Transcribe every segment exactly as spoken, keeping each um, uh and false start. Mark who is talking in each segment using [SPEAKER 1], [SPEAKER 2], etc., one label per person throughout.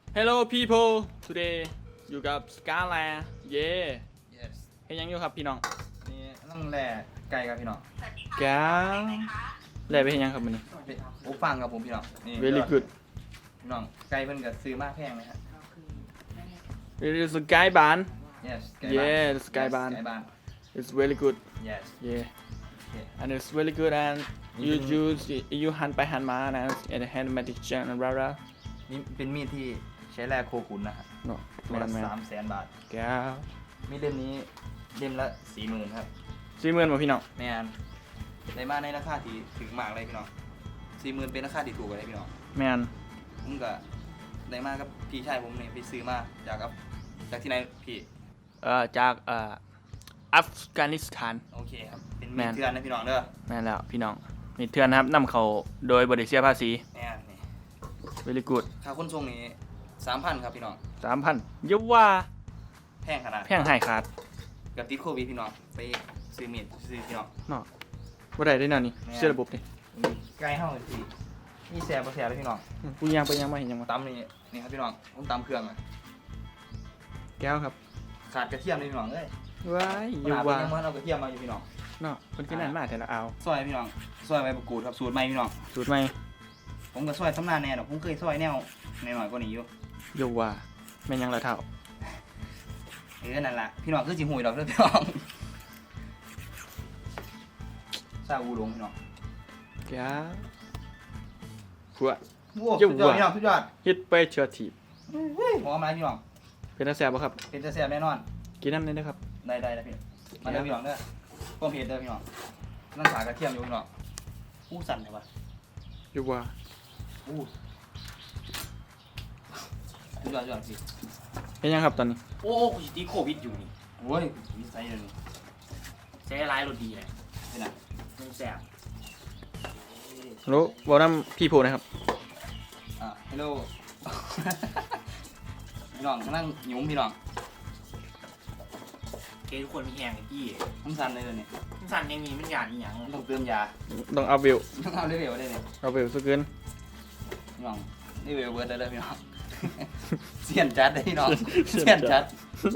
[SPEAKER 1] Hello people today อยู่กับ Scala เย่
[SPEAKER 2] yes
[SPEAKER 1] เฮ็ดยังอยู่ครับพี่น้อง
[SPEAKER 2] นี่ต้องแหล่ไก่ครับพี่น้อง
[SPEAKER 1] แก้วแล่ไปเฮ็ดยังครับมื้อนี้
[SPEAKER 2] โอ้ฟังครับผมพี่น้องนี่
[SPEAKER 1] Very good
[SPEAKER 2] พี่น้องไก่เพิ่นก็ซื้อมาแพงไหมครับ
[SPEAKER 1] It is a guy barn
[SPEAKER 2] yes ไก่
[SPEAKER 1] Yeah
[SPEAKER 2] บ้าน
[SPEAKER 1] the sky barn
[SPEAKER 2] ไก่บ้าน
[SPEAKER 1] It's very good
[SPEAKER 2] yes
[SPEAKER 1] yeah
[SPEAKER 2] okay.
[SPEAKER 1] and it's very good and you use you หันไปหันมานะ and hand magic jan and rah rah
[SPEAKER 2] นี่เป็นมีดที่ใช้แลกโคขุนนะครับ
[SPEAKER 1] เนาะ
[SPEAKER 2] ตั
[SPEAKER 1] แม่
[SPEAKER 2] วละ
[SPEAKER 1] นแม่น
[SPEAKER 2] สามแสนบาท
[SPEAKER 1] แก้ว
[SPEAKER 2] มีดเล่มนี้เล่มละสี่หมื่นครับ
[SPEAKER 1] สี่หมื่นบ่พี่น้อง
[SPEAKER 2] แม่นได้มาในราคาที่ถึงมากเลยพี่น้องสี่หมื่นเป็นราคาที่ถูกเลยพี่น้อง
[SPEAKER 1] แม่น
[SPEAKER 2] ผมก็ได้มากับพี่ชายผมเนี่ยไปซื้อมาจากกับจากที่ไหนพี่
[SPEAKER 1] เอ่อจากเอ่ออัฟกานิสถาน
[SPEAKER 2] โอเคครับเป็น
[SPEAKER 1] แม่
[SPEAKER 2] มีด
[SPEAKER 1] น
[SPEAKER 2] เถื่อนนะพี่น้องเด้อ
[SPEAKER 1] แม่นแล้วพี่น้องมีเทือนนะครับนำเข้าโดยบ่ได้เสียภาษี
[SPEAKER 2] แม่นนี่
[SPEAKER 1] very good
[SPEAKER 2] ค่าขนส่งนี้สามพันครับพี่น้อง
[SPEAKER 1] สามพันอย่าว่า
[SPEAKER 2] แพงขนาด
[SPEAKER 1] แพงให้ขาด
[SPEAKER 2] กับติดโควิดพี่น้องไปซื้อมีดซื้อพี่น้อง
[SPEAKER 1] เนาะบ่ได้ได้แนวนี้
[SPEAKER 2] แม่น
[SPEAKER 1] เชื่อระบบนี่
[SPEAKER 2] ไกลเฮาเลยพี่นี่แซ่บบ่แซ่บเลยพี่น้อง
[SPEAKER 1] กูยังไปยังมาเห็นยังมา
[SPEAKER 2] ตำนี่นี่ครับพี่น้องผมตำเครื่องอะ
[SPEAKER 1] แก้วครับ
[SPEAKER 2] ขาดกระเทียมเลยพี่น้องเอ้ย
[SPEAKER 1] ว้ายอ
[SPEAKER 2] ข
[SPEAKER 1] ยู่
[SPEAKER 2] นาดเป็น
[SPEAKER 1] ว่า
[SPEAKER 2] ยังบ่เอากระเทียมมาอยู่พี่น้อง
[SPEAKER 1] เนาะคนขึ้นนั่นมาแต่ละเอา
[SPEAKER 2] ซอยพี่น้องซอยใบมะกรูดครับสูตรใหม่พี่น้อง
[SPEAKER 1] สูตรใหม่
[SPEAKER 2] ผมก็ซอยสำนานแน่ดอกผมเคยซอยแนวหน่อยๆกว่านี้อยู่
[SPEAKER 1] อยู่ว่าแม่นยังละเท่า
[SPEAKER 2] เออนั่นล่ะพี่น้องคือสิหูยดอกเด้อพี่น้องซาอูหลงพี่น้อง
[SPEAKER 1] แก้วผัว
[SPEAKER 2] โอ้สุดยอดพี่น้องสุดยอด
[SPEAKER 1] ฮิตไปเชื้อถีบ
[SPEAKER 2] หอมอะไรพี่น้อง
[SPEAKER 1] เป็นตาแสบบ่ครับ
[SPEAKER 2] เป็นจะแซ่บแน่นอน
[SPEAKER 1] กินน้ำเลยนะครับ
[SPEAKER 2] ได้ได้แล้วพี่มาเด้อพี่น้องเด้อต้มเผ็ดเด้อพี่น้องนั่นสากระเทียมอยู่พี่น้องอู้สั่นเลยวะ
[SPEAKER 1] อยู่ว่า
[SPEAKER 2] อู้สุดยอดสุดยอดพี่
[SPEAKER 1] เป็นยังครับตอนนี้
[SPEAKER 3] โอ้กูจะตีโควิดอยู่นี่
[SPEAKER 2] โอ้ยวิสัยเลยนี่
[SPEAKER 3] ใช้ร้ายรถดีเลย
[SPEAKER 2] เป็นไง
[SPEAKER 3] มันแสบ
[SPEAKER 1] รู้บอกน้ำพี่โพนะครับ
[SPEAKER 2] อ่าฮัลโหล พี่น้องกำลังหยุ่มพี่น้อง
[SPEAKER 3] เกทุกคนมีแหงไอ้พี่
[SPEAKER 2] ผมสั่นเลยเดี๋ยวนี่
[SPEAKER 3] มันสั่นยังมีมันหยาดอีหยัง
[SPEAKER 2] ต้องเติมยา
[SPEAKER 1] ต้องเอาวิว
[SPEAKER 2] ต้องเอาเร็วๆได้เนี่ย
[SPEAKER 1] เอาวิวสักเกิน
[SPEAKER 2] พี่น้องนี่เวลเบิร์ดได้เลยพี่น้อง เสียนจัดเลยพี่น้องเสียนจัด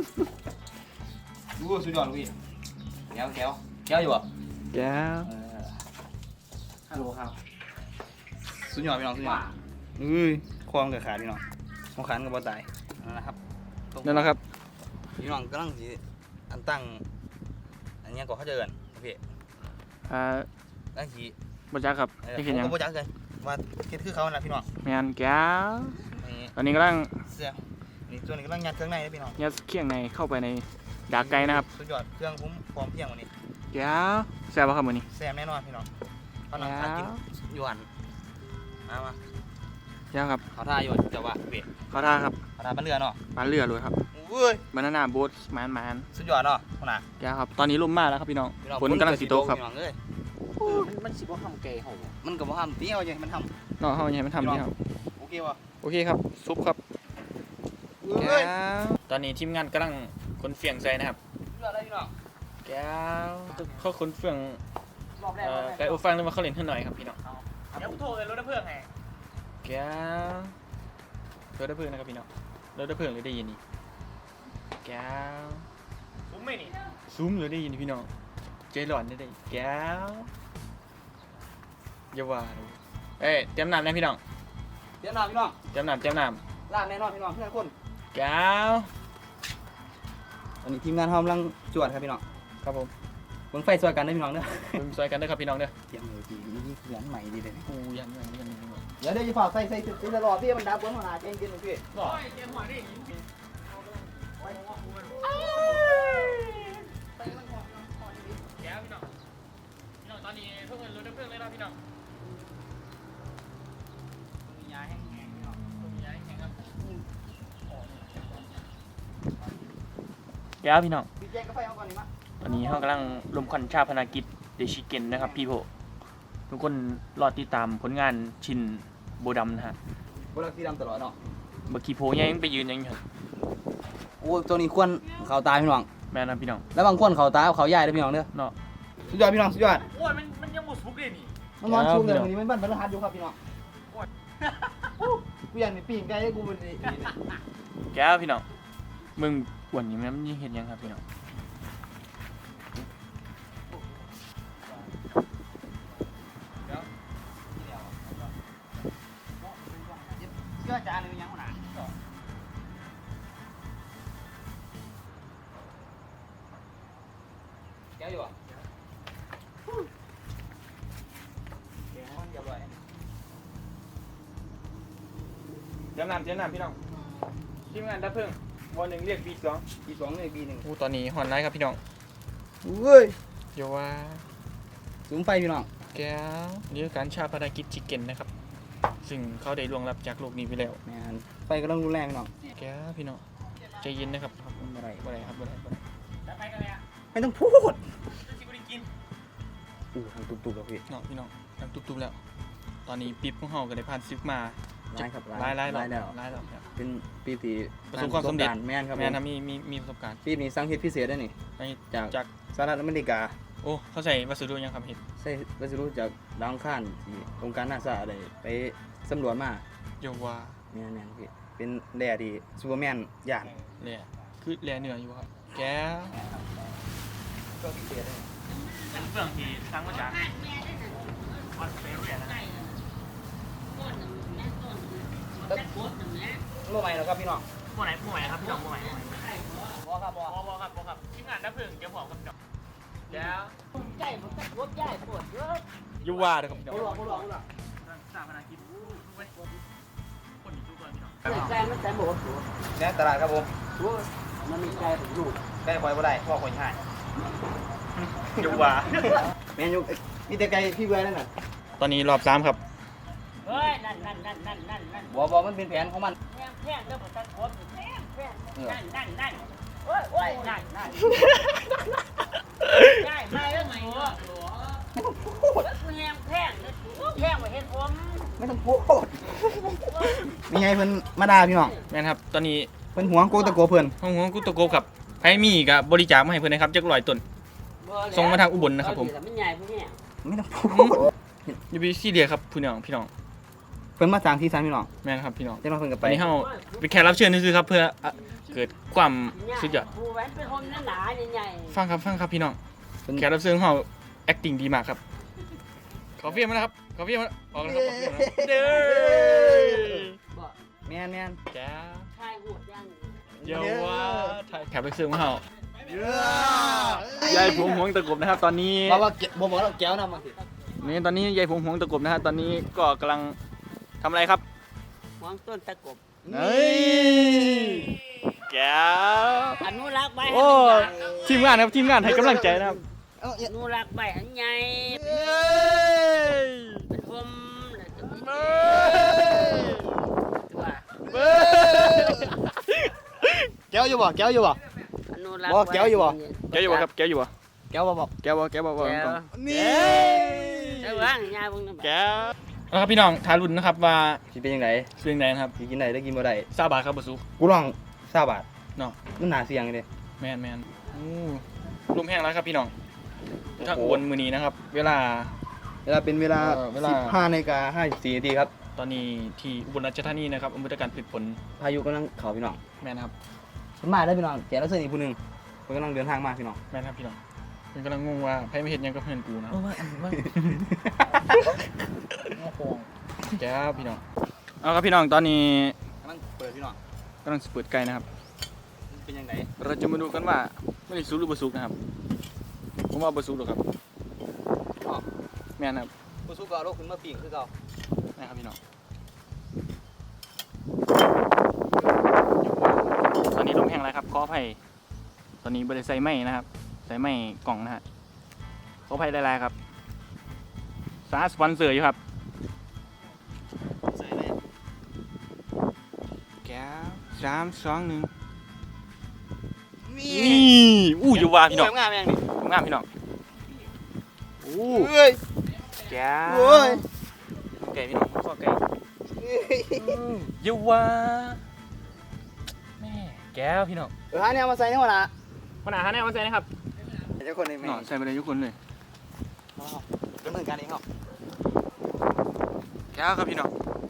[SPEAKER 2] ดูสุดยอดลูกพี่แก้วแก้วแก้วอยู่ป่ะ
[SPEAKER 1] แก้ว
[SPEAKER 2] เออ
[SPEAKER 3] ฮัลโหลครับ
[SPEAKER 2] สุดยอดพี่น้องสุดยอ
[SPEAKER 3] ว่า
[SPEAKER 2] ดอุ้ยควงกับขาพี่น้องควงขากับบ่ตายนั่นแหละครับ
[SPEAKER 1] นั่นแหละครับ
[SPEAKER 2] พี่น้องกำลังสิอันตั้งอันนี้ก็เขาจะเอิ้นโอเค
[SPEAKER 1] อ่า
[SPEAKER 2] ตั้งสิ
[SPEAKER 1] บ่จักครับ
[SPEAKER 2] เออ
[SPEAKER 1] นี่
[SPEAKER 2] ผ
[SPEAKER 1] คือ
[SPEAKER 2] ม
[SPEAKER 1] หยัง
[SPEAKER 2] ก็บ่จักเลยว่าเฮ็ดคือเขาน่ะพี่น้อง
[SPEAKER 1] แม่นแก้ว
[SPEAKER 2] นี่
[SPEAKER 1] ตอนนี้กำลัง
[SPEAKER 2] เสื้อนี่ตัวนี้กำลังยัดเครื่องในนะพี่น้อง
[SPEAKER 1] ยัดเครื่องในเข้าไปในดากไก่นะครับ
[SPEAKER 2] สุดยอดเครื่องผมพร้อมเพรียงวันนี้
[SPEAKER 1] แก้วแซ่บบ่ครับมื้อนี้
[SPEAKER 2] แซ่บแน่นอนพี่น้องเขานั่งทานกินอยู่หันมามา
[SPEAKER 1] แก้วครับ
[SPEAKER 2] เขาท่าอยู่จะว่าเวท
[SPEAKER 1] ขอท่าครับ
[SPEAKER 2] เขาท่าบ้านเรือเนาะ
[SPEAKER 1] ปลาเรือเลยครับ
[SPEAKER 2] อุ้ย
[SPEAKER 1] บานาน่าโบ๊ทแมนแมน
[SPEAKER 2] สุดยอดเนาะขนาด
[SPEAKER 1] แก้วครับ ตอนนี้ลมมากแล้วครับพี่น้อง
[SPEAKER 2] พี่น้อง
[SPEAKER 1] ฝนกำลังสิตกครับ
[SPEAKER 2] พี่น้องเอ้ย
[SPEAKER 3] มันมันสิบ่ทำเกย์เหรอ
[SPEAKER 2] มันก็บ่ห้ามตีเอาอย่างมันท
[SPEAKER 1] เนาะเฮาอย่าให้มันทำนี่ครับ
[SPEAKER 2] ำโอเคป่ะ
[SPEAKER 1] โอเคครับ ซุปครับ
[SPEAKER 2] เอ้ย
[SPEAKER 1] ตอนนี้ทีมงานกำลังคนเฟียงใส่นะครับ
[SPEAKER 2] สุดยอดเลยพี่น้อง
[SPEAKER 1] แก้วเขาคนเฟียง
[SPEAKER 3] รอบแรก
[SPEAKER 1] เอ่
[SPEAKER 3] รอ
[SPEAKER 1] อบ
[SPEAKER 3] แรก
[SPEAKER 1] ไก่อบฟังหรือมาเขาเล่นให้หน่อยครับพี่น้อง
[SPEAKER 3] เดี๋ยวกูโทรเลยรถดับเพลิงไง
[SPEAKER 1] แก้วรถดับเพลิงนะครับพี่น้องรถดับเพลิงเลยได้ยินนี่แก้ว
[SPEAKER 3] ผมไม่นี่
[SPEAKER 1] ซุ้มเลยได้ยินพี่น้องใจร้อนได้ได้แก้วอย่าว่าเลยเอ้ยเตรียมน้ำนะพี่น้อง
[SPEAKER 2] เดี๋ยวน้องพี่น้อง
[SPEAKER 1] เตรียมน้ำเตรียมน้
[SPEAKER 2] ล่างแน่นอนพี่น้องเพื่อนคน
[SPEAKER 1] ำแก้ว
[SPEAKER 2] ตอนนี้ทีมงานเขากำลังจวดครับพี่น้อง
[SPEAKER 1] ครับผม
[SPEAKER 2] เบิ่งไฟสวยกันได้อพี่น้องเด้อ
[SPEAKER 1] เป็นซอยกันเด้อครับพี่น้องเด้อ
[SPEAKER 2] เตรียมเลยพี่นี่เหมือนใหม่ดีเลย
[SPEAKER 1] กูยันยันยันยัน
[SPEAKER 2] เดี๋ยวเดี๋ยวจะฝากใส่ใส่ใส่ตลอดพี่มันดับเบิ้งขนาดเองกินเลยพี่
[SPEAKER 1] หล่อ
[SPEAKER 3] เกมหัวนี่แก้วพี่น้องพี่น้องตอนนี้เพิ่งเงินรถดับเพลิงเลยนะพี่น้อง
[SPEAKER 2] มียาแห้งๆพี่น้อง
[SPEAKER 3] มีอะไรแข่งครับ
[SPEAKER 1] แก้วพี่น้อง
[SPEAKER 2] พี่แจ้งกาแฟเอาก่อนนี่มา
[SPEAKER 1] ตอนนี้เขากำลังลมควันชาพนากิจเดชิเกนนะครับพี่โพทุกคนรอติดตามผลงานชินโบดำนะฮะ
[SPEAKER 2] บลักสีดำตลอดเนาะ
[SPEAKER 1] เมื่อกี้โพยังไปยืนยังอยู่
[SPEAKER 2] โอ้ตัวนี้ควรเขาตายพี่น้อง
[SPEAKER 1] แม่นะพี่น้อง
[SPEAKER 2] แล้วบางคนเขาตายเขาใหญ่เลยพี่น้องเด้อ
[SPEAKER 1] เนาะ
[SPEAKER 2] สุดยอดพี่น้องสุดยอด
[SPEAKER 3] โอ้ยมันมันยังหมดสุกเลยนี่
[SPEAKER 2] มันนอนชุมเลยวันนี้มันบันบรรทัดอยู่ครับพี่น้องกูอยากนี่ปีนไก่ให้กูเป็นนี่
[SPEAKER 1] แก้วพี่น้องมึงอ้วนนี่แม่มันยังเห็นยังครับพี่น้อง
[SPEAKER 2] เชื่อจานหรือยังวะน่ะแก้วอยู่อ่ะแก้วเรียบร้อย
[SPEAKER 1] เดี๋ยวน้ำเดี๋ยวน้ำพี่น้องทีมงานดับเพลิงวันหนึ่งเรียกบีสอง
[SPEAKER 2] ปีสองเลยปีหนึ่ง
[SPEAKER 1] อู้ตอนนี้ฮอนไลท์ครับพี่น้อง
[SPEAKER 2] เว้ย
[SPEAKER 1] เดี๋ยวว่า
[SPEAKER 2] สูงไฟพี่น้อง
[SPEAKER 1] แก้วนี่คือการชาปนกิจชิคเก้นนะครับซึ่งเขาได้ล่วงลับจากโลกนี้ไปแล้ว
[SPEAKER 2] แมนไฟก็ต้องรุนแรงพี่น้อง
[SPEAKER 1] แก้วพี่น้องใจเย็นนะครับ
[SPEAKER 2] ไม่ไร
[SPEAKER 1] บ่ได้ครับบ่ได้บ่ได้
[SPEAKER 3] จะไปกันเลยอ่ะ
[SPEAKER 2] ไม่ต้องพูด
[SPEAKER 3] จะชิบุริกิน
[SPEAKER 2] อู้ทำตุบๆแล้วพี่
[SPEAKER 1] น้องพี่น้องทำตุ๊บๆแล้ว ตอนนี้ปิ๊บของเฮาก็ได้ผ่านซึกมา
[SPEAKER 2] ร้ายครับ
[SPEAKER 1] หลายหลายหลาย
[SPEAKER 2] แล้ว
[SPEAKER 1] หลายแล้วครับ
[SPEAKER 2] เป็นปีที่
[SPEAKER 1] ประสบความสำเร็จ
[SPEAKER 2] แมนครับ
[SPEAKER 1] แม่นนะมีมีมีประสบการณ์
[SPEAKER 2] ปีนี้สร้างเฮ็ดพิเศษได้นี่
[SPEAKER 1] ไอ้
[SPEAKER 2] จาก
[SPEAKER 1] จาก
[SPEAKER 2] สหรัฐอเมริกา
[SPEAKER 1] โอ้เขาใส่วัสดุยังครับเห็ด
[SPEAKER 2] ใช่วัสดุจากดาวอังคารที่องค์การนาซาได้ไปสำรวจมา
[SPEAKER 1] เดี๋ยวว่า
[SPEAKER 2] แม่นแม่นพี่เป็นแร่ที่ซูเปอร์แมนย่าน
[SPEAKER 1] แหล่คือแหล่เหนืออยู่ครับแก้ว
[SPEAKER 2] ก็พิเศษได้
[SPEAKER 1] เป็นเฟื่องที่สร้างมาจากออสเตรเลียนะ
[SPEAKER 2] เมื่อไหร่แล้วครับพี่น้อง
[SPEAKER 1] ผู้ไหนผู้ไหนครับพี่น้องผู้ไหนผู้ไหน
[SPEAKER 2] บอครับบอ
[SPEAKER 1] บอบอครับบอครับทีมงานดับเพลิงเดี๋ยวบอกครับพี่น้องแก้ว
[SPEAKER 4] ใจมันก็รถใหญ่ปวดเยอะ
[SPEAKER 1] อยู่ว่าเด้อครับพี่น้อง
[SPEAKER 2] บ่หลอกบ่หลอกบ่หลอก
[SPEAKER 1] สร้างพนักกิจคนอยู่ทุกคนพี่น้อง
[SPEAKER 4] ใจมันใจหมดตัว
[SPEAKER 2] แน่ตลาดครับผม
[SPEAKER 4] ตัวมันมีใจผมอยู่
[SPEAKER 2] ไก่ปล่อยบ่ได้พ่อคนให้
[SPEAKER 1] อยู่ว่า
[SPEAKER 2] แม่นอยู่มีแต่ไก่พี่เบื่อนั่นน่ะ
[SPEAKER 1] ตอนนี้รอบสามครับ
[SPEAKER 4] เฮ้ยนั่นนั่นนั่นนั่นนั่นนั่น
[SPEAKER 2] บ่บ่มันเป็นแผนของมัน
[SPEAKER 4] แพงแพงเด้อผมตะโกนแพงแพงนั่นนั่นนั่นโอ้ยโอ้ยนั่นนั่นใช่มาแล้วไหมวะแพงแพงแพงกว่าเห็นผม
[SPEAKER 2] ไม่ต้องพูดมีไงเพิ่นมาด่าพี่น้อง
[SPEAKER 1] แม่นครับตอนนี้
[SPEAKER 2] เพิ่นหวงโกตะโกเพิ่น
[SPEAKER 1] ห้องหัวกุตโกครับไผมีกับบริจาคมาให้เพื่อนนะครับจักร้อยต้น ส่งมาทางอุบลนะครับผม
[SPEAKER 4] มันใหญ่พวกนี้
[SPEAKER 2] ไม่ต้องพูด
[SPEAKER 1] อย่าไปซีเรียสครับพี่น้องพี่น้อง
[SPEAKER 2] เพิ่นมาสร้างที่ศาลพี่น้อง
[SPEAKER 1] แม่นครับพี่น้อง
[SPEAKER 2] จังว่าเพิ่นก็
[SPEAKER 1] ต
[SPEAKER 2] ไป
[SPEAKER 1] อนนี้เฮาเป็นแขกรับเชิญนี่คือครับเพื่ออ่ะเกิดความสุดยอด
[SPEAKER 4] ผู้แหวนเป็นคนหนาใหญ่
[SPEAKER 1] ฟังครับฟังครับพี่น้อง
[SPEAKER 2] เพิ่น
[SPEAKER 1] แขกรับเชิญของเฮา acting ดีมากครับขอเฟียมานะครับขอเฟียมาออกนะครับขอเฟียมาเด้อ
[SPEAKER 4] ๆบอก
[SPEAKER 2] แม่นแม่น
[SPEAKER 1] แก้ว
[SPEAKER 4] ชายหัวย่าง
[SPEAKER 1] เยาว่าแขกรับเชิญของเฮา
[SPEAKER 2] เย้
[SPEAKER 1] ยายผงหวงตะกบนะครับ ตอนนี้
[SPEAKER 2] บอกว่าบ่บอกเราแก้วนำมาสิ
[SPEAKER 1] นี่ตอนนี้ยายผงหวงตะกบนะฮะตอนนี้ก็กำลังทำอะไรครับ
[SPEAKER 4] หวงต้นตะกบ
[SPEAKER 1] เฮ้ยแก้ว
[SPEAKER 4] อนุรักษ์ใบให้
[SPEAKER 1] โอ้
[SPEAKER 4] มันใหญ่
[SPEAKER 1] ทีมงานครับทีมงานให้กำลังใจนะครับ
[SPEAKER 2] เอ้า
[SPEAKER 4] อนุรักษ์ใบให้ใหญ่
[SPEAKER 1] เฮ้ย
[SPEAKER 4] เป็นผมแล้วก็มี
[SPEAKER 1] เฮ้ย
[SPEAKER 4] ตัว
[SPEAKER 1] เฮ้ย
[SPEAKER 2] แก้วอยู่บ่แก้วอยู่บ่
[SPEAKER 4] อนุรักษ์
[SPEAKER 2] บอกแก้วอยู่บ่
[SPEAKER 1] แก้วอยู่บ่ครับแก้วอยู่บ่
[SPEAKER 2] แก้วบ่บอก
[SPEAKER 1] แก้วบ่แก้วบ่บ่
[SPEAKER 4] แก้ว
[SPEAKER 2] นี่
[SPEAKER 4] ใช่ว่างยาเบิ่งนะ
[SPEAKER 1] แก้วเอาครับพี่น้องทารุณนะครับว่า
[SPEAKER 2] สิเป็นจังได๋
[SPEAKER 1] เรื่องใดนะครับ
[SPEAKER 2] สิกินได้หรือกินบ่ได้
[SPEAKER 1] ซาบาครับบ่สุ
[SPEAKER 2] กูลองซาบาท
[SPEAKER 1] เนาะ
[SPEAKER 2] มันน่าเสี่ยงเด้
[SPEAKER 1] แมนแมนอู้ลมแห้งแล้วครับพี่น้องถ้าอุบลมื้อนี้นะครับ เวลา
[SPEAKER 2] เวลาเป็นเวลา
[SPEAKER 1] เออเวลา
[SPEAKER 2] สิบห้านาฬิกาห้าสิบสี่นาทีครับ
[SPEAKER 1] ตอนนี้ที่อุบลราชธานีนะครับอำเภอตะการผลิตผล
[SPEAKER 2] พายุกำลังเข้าพี่น้อง
[SPEAKER 1] แมนครับ
[SPEAKER 2] มันมาได้อพี่น้องแกแล้วเสื้ออีกผู้หนึงเพิ่นกำลังเดินทางมาพี่น้อง
[SPEAKER 1] แมนครับพี่น้องมันกำลังงงว่าไผไม่เห็นหยังกับเพื่อนกูนะแก้วพี่น้องเอาครับพี่น้องตอนนี้
[SPEAKER 2] กำลังเปิดพี่น้อง
[SPEAKER 1] กำลังเปิดไก่นะครับ
[SPEAKER 2] เป็นยังไง
[SPEAKER 1] เราจะมาดูกันว่าไม่ได้สุกหรือบ่สุกนะครับผมว่าบ่สุกหรอกครับ
[SPEAKER 2] อ๋อ
[SPEAKER 1] แม่นครับ
[SPEAKER 2] ผู้สู้ก็เอาลูกขึ้นมาปิ้งคือเก่า
[SPEAKER 1] นะครับพี่น้องตอนนี้ลมแห้งแล้วครับขออภัยตอนนี้บ่ได้ใส่ไม้นะครับ ใส่ไม้กล่องนะฮะขออภัยหลายๆครับสาสปอนเซอร์อยู่ครับ
[SPEAKER 2] ใส่เลย
[SPEAKER 1] แก้วสามสองหนึ่ง
[SPEAKER 2] นี่
[SPEAKER 1] นี่อู้อยู่ว่าพี่น้อง
[SPEAKER 2] งามแม่งนี่
[SPEAKER 1] งามพี่น้องอู้
[SPEAKER 2] เอ้ย
[SPEAKER 1] แก้ว
[SPEAKER 2] โอ้ย
[SPEAKER 1] ไก่พี่น้องข้อไก่อยู่ว่าแม่แก้วพี่น้อง
[SPEAKER 2] เออหาเนี่ยมาใส่ในหัวหน้า
[SPEAKER 1] คนอาหารแน่มาใส่นะครับ
[SPEAKER 2] เจ้าคนนี้แม่
[SPEAKER 1] เนาะใส่ไปเลยทุกคนเลย
[SPEAKER 2] ดำเนินการเองเหรอ
[SPEAKER 1] แก้วครับพี่น้อง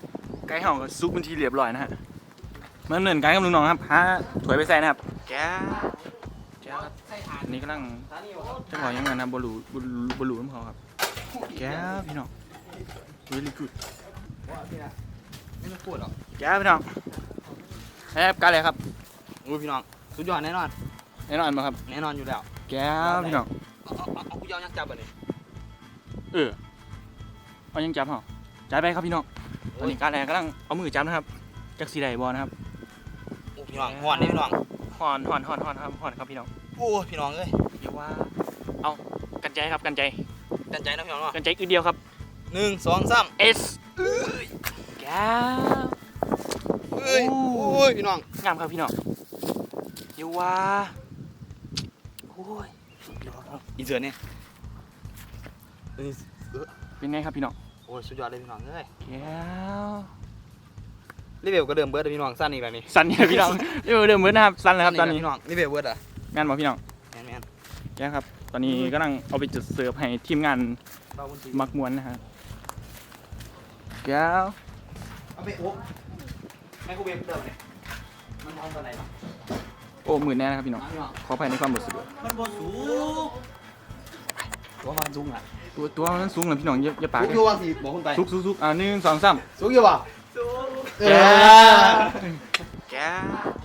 [SPEAKER 1] ไก่เห่าก็ซุปเป็นทีเรียบร้อยนะฮะมาเหมือนกันกับลุงน้องครับหาถวยไปใส่นะครับแก้วแก้วครับอันนี้กำลังจะบอกยังไงนะบลูบลูบลูน้ำเขาครับแก้วพี่น้อง really good
[SPEAKER 2] ไม่ต้องพูดหรอก
[SPEAKER 1] แก้วพี่น้องแอบกันเลยครับ
[SPEAKER 2] อู้พี่น้องสุดยอดแน่นอน
[SPEAKER 1] แน่นอนมาครับ
[SPEAKER 2] แน่นอนอยู่แล้ว
[SPEAKER 1] แก้วพี่น้อง
[SPEAKER 2] เอาเอาเอากูยาวยักษ์จับไปเลย
[SPEAKER 1] เออเอายังจับเหรอจ่ายไปครับพี่น้องตอนนี้การแรงกำลังเอามือจับนะครับจากสีใดบอลนะครับ
[SPEAKER 2] โอ้พี่น้องหอนนี่พี่น้อง
[SPEAKER 1] หอนหอนหอนหอนครับหอนครับพี่น้อง
[SPEAKER 2] โอ้พี่น้องเอ้ย
[SPEAKER 1] เดี๋ยวว่าเอากันใจครับกันใจ
[SPEAKER 2] ตั้งใจนะพี่น้องเนาะ
[SPEAKER 1] กันใจอึดเดียวครับ
[SPEAKER 2] หนึ่งสองสาม
[SPEAKER 1] S แก้ว
[SPEAKER 2] เอ้ยโอ้ยพี่น้อง
[SPEAKER 1] งามครับพี่น้องเดี๋ยวว่าโอ้ย
[SPEAKER 2] อินเสิร์ตเนี่ยเอ้ย
[SPEAKER 1] เป็นไงครับพี่น้อง
[SPEAKER 2] โอ้ยสุดยอดเลยพี่น้องเอ้ย
[SPEAKER 1] แก้ว
[SPEAKER 2] รีเวลก็เดิมเบิร์ดเลยพี่น้องสั้นอีกแล้วนี่
[SPEAKER 1] สันเนี่ยพี่น้องเดี๋ยวเดิมเหมือนนะครับสันเลยครับตอนนี้
[SPEAKER 2] พี่น้องรีเวลเบิร์ดอ่ะ
[SPEAKER 1] งานบอกพี่น้อง
[SPEAKER 2] แมนแมน
[SPEAKER 1] แก้วครับตอนนี้กำลังเอาไปจุดเสิร์ฟให้ทีมงาน
[SPEAKER 2] เบาบนที
[SPEAKER 1] มักมวนนะฮะแก้ว
[SPEAKER 2] เอาไปโอ้แม่กูเวฟเดิมเนี่ยมันทำอะไรบ้าง
[SPEAKER 1] โอ้หมื่นแน่นะครับพี่น้อง
[SPEAKER 2] พี่น้อง
[SPEAKER 1] ขออภัยในความบดสะดวก
[SPEAKER 2] มันบนสูงตัวมันสูงอ่ะ
[SPEAKER 1] ตัวตัวมันสูงเลยพี่น้องอย่าอย่าปาก
[SPEAKER 2] สูงอยู่ว่างสิบอกคุณไป
[SPEAKER 1] ซุกซุกซุกอ่าหนึ่งสองสาม
[SPEAKER 2] สูงอยู่ป่ะ
[SPEAKER 1] แก้วแก้ว